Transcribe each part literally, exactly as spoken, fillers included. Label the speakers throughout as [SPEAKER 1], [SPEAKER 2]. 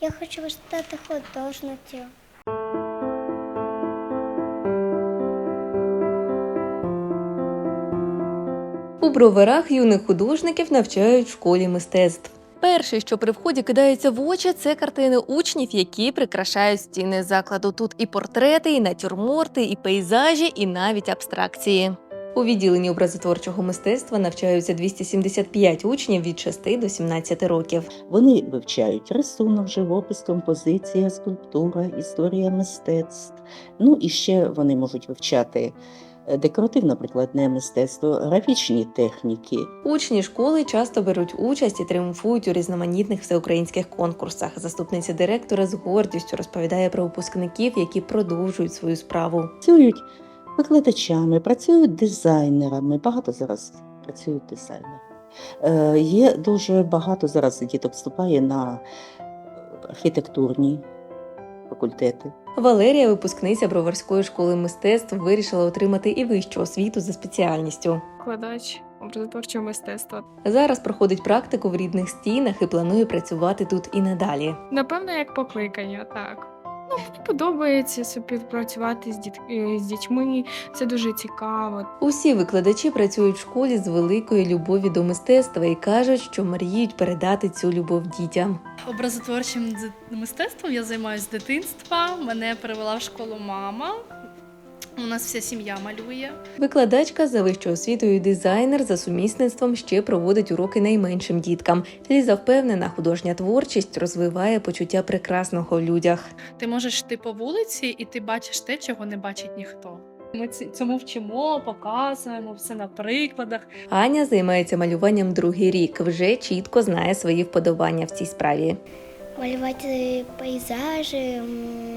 [SPEAKER 1] Я хочу стати художницею.
[SPEAKER 2] У Броварах юних художників навчають в школі мистецтв. Перше, що при вході кидається в очі, це картини учнів, які прикрашають стіни закладу. Тут і портрети, і натюрморти, і пейзажі, і навіть абстракції. У відділенні образотворчого мистецтва навчаються двісті сімдесят п'ять учнів від шести до сімнадцяти років.
[SPEAKER 3] Вони вивчають рисунок, живопис, композиція, скульптура, історія мистецтв. Ну і ще вони можуть вивчати декоративно-прикладне мистецтво, графічні техніки.
[SPEAKER 2] Учні школи часто беруть участь і тріумфують у різноманітних всеукраїнських конкурсах. Заступниця директора з гордістю розповідає про випускників, які продовжують свою справу.
[SPEAKER 3] Працюють викладачами, працюють дизайнерами, багато зараз працюють дизайнерами. Е, є дуже багато зараз діток вступає на архітектурні факультети.
[SPEAKER 2] Валерія, випускниця Броварської школи мистецтв, вирішила отримати і вищу освіту за спеціальністю.
[SPEAKER 4] Викладач образотворчого мистецтва.
[SPEAKER 2] Зараз проходить практику в рідних стінах і планує працювати тут і надалі.
[SPEAKER 4] Напевно, як покликання, так. Ну, мені подобається співпрацювати з, діт... е, з дітьми, це дуже цікаво.
[SPEAKER 2] Усі викладачі працюють в школі з великою любов'ю до мистецтва і кажуть, що мріють передати цю любов дітям.
[SPEAKER 5] Образотворчим мистецтвом я займаюся з дитинства. Мене перевела в школу мама. У нас вся сім'я малює.
[SPEAKER 2] Викладачка за вищою освітою і дизайнер за сумісництвом ще проводить уроки найменшим діткам. Ліза впевнена, художня творчість розвиває почуття прекрасного в людях.
[SPEAKER 5] Ти можеш йти по вулиці і ти бачиш те, чого не бачить ніхто. Ми цьому вчимо, показуємо все на прикладах.
[SPEAKER 2] Аня займається малюванням другий рік, вже чітко знає свої вподобання в цій справі.
[SPEAKER 1] Малювати пейзажі, м,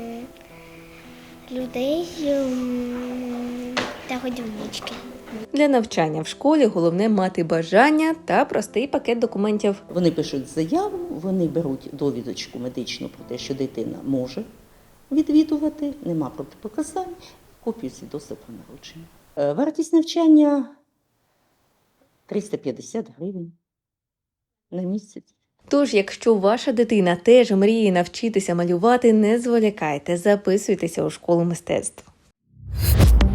[SPEAKER 1] людей м, та годівнички.
[SPEAKER 2] Для навчання в школі головне мати бажання та простий пакет документів.
[SPEAKER 3] Вони пишуть заяву, вони беруть довідочку медичну про те, що дитина може відвідувати, нема протипоказань, копію свідоцтва про народження. Е, Вартість навчання триста п'ятдесят гривень на місяць.
[SPEAKER 2] Тож, якщо ваша дитина теж мріє навчитися малювати, не зволікайте, записуйтеся у школу мистецтв.